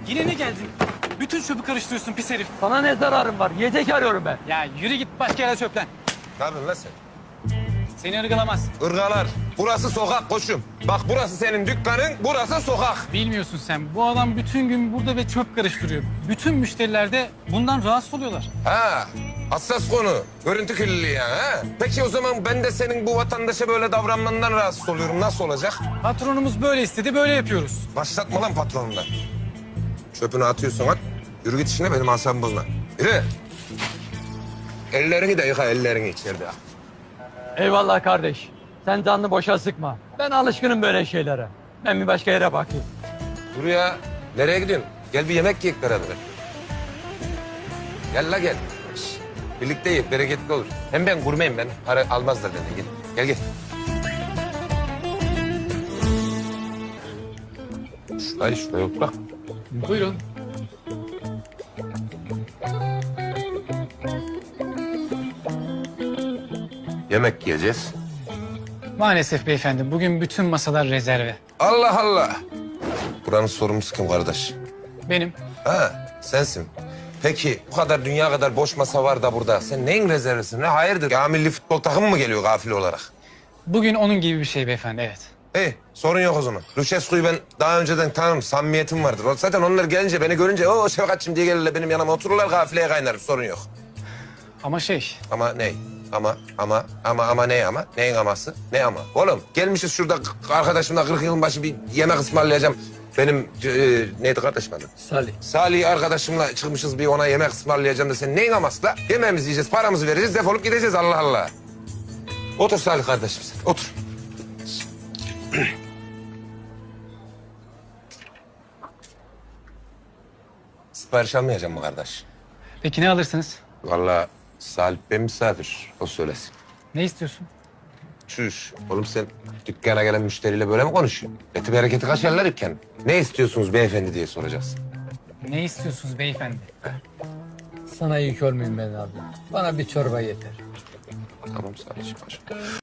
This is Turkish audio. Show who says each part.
Speaker 1: Yine ne geldin? Bütün çöpü karıştırıyorsun pis herif.
Speaker 2: Sana ne zararım var? Yiyecek arıyorum ben.
Speaker 1: Ya yürü git başka yere çöplen.
Speaker 3: Ne yapıyorsun lan sen?
Speaker 1: Seni ırgalamaz.
Speaker 3: Irgalar. Burası sokak koçum. Bak burası senin dükkanın, burası sokak.
Speaker 1: Bilmiyorsun sen. Bu adam bütün gün burada ve çöp karıştırıyor. Bütün müşteriler de bundan rahatsız oluyorlar.
Speaker 3: Ha, hassas konu. Görüntü kirliliği yani ha. Peki o zaman ben de senin bu vatandaşa böyle davranmandan rahatsız oluyorum. Nasıl olacak?
Speaker 1: Patronumuz böyle istedi, böyle yapıyoruz.
Speaker 3: Başlatma lan patronundan. Çöpünü atıyorsun at. Yürü git işine benim asabımı bozma. Yürü. Ellerini de yıka, ellerini içeride.
Speaker 2: Eyvallah kardeş. Sen canını boşa sıkma. Ben alışkınım böyle şeylere. Ben bir başka yere bakayım.
Speaker 3: Dur ya. Nereye gidiyorsun? Gel bir yemek yiyek beraber. Gel la gel. Şş, birlikte yiyek, bereketli olur. Hem ben gurmeyim ben. Para almazlar benden. Gel, gel gel. Şuraya yok bak.
Speaker 1: Buyurun.
Speaker 3: Yemek yiyeceğiz.
Speaker 1: Maalesef beyefendi, bugün bütün masalar rezerve.
Speaker 3: Allah Allah. Buranın sorumlusu kim kardeş?
Speaker 1: Benim.
Speaker 3: Ha, sensin. Peki bu kadar dünya kadar boş masa var da burada. Sen neyin rezervisin? Ne hayırdır? Ya milli futbol takımı mı geliyor gafil olarak?
Speaker 1: Bugün onun gibi bir şey beyefendi, evet.
Speaker 3: İyi, sorun yok o zaman. Lucescu'yu ben daha önceden tanırım, samimiyetim vardır. Zaten onlar gelince, beni görünce o Şefkatçım diye gelirler benim yanıma otururlar, gafileye kaynarım, sorun yok.
Speaker 1: Ama şey,
Speaker 3: Ama ne? Ama ne ama? Neyin aması? Ne ama? Oğlum gelmişiz şurada arkadaşımla 40 yılın başı bir yemek ısmarlayacağım. Benim neydi kardeşim adı?
Speaker 2: Salih.
Speaker 3: Salih arkadaşımla çıkmışız bir ona yemek ısmarlayacağım da sen neyin aması la? Yemeğimizi yiyeceğiz, paramızı vereceğiz, defolup gideceğiz Allah Allah. Otur Salih kardeşim sen, otur. Sipariş almayacağım mı kardeş?
Speaker 1: peki ne alırsınız?
Speaker 3: Vallahi Salih ben misafir, o söylesin.
Speaker 1: Ne istiyorsun?
Speaker 3: Çüş, oğlum sen dükkana gelen müşteriyle böyle mi konuşuyorsun? Eti bereketi kaçarlar iken. Ne istiyorsunuz beyefendi diye soracaksın.
Speaker 1: Ne istiyorsunuz beyefendi?
Speaker 2: Sana yük olmayayım ben abi. Bana bir çorba yeter.
Speaker 3: Tamam Salih'ciğim.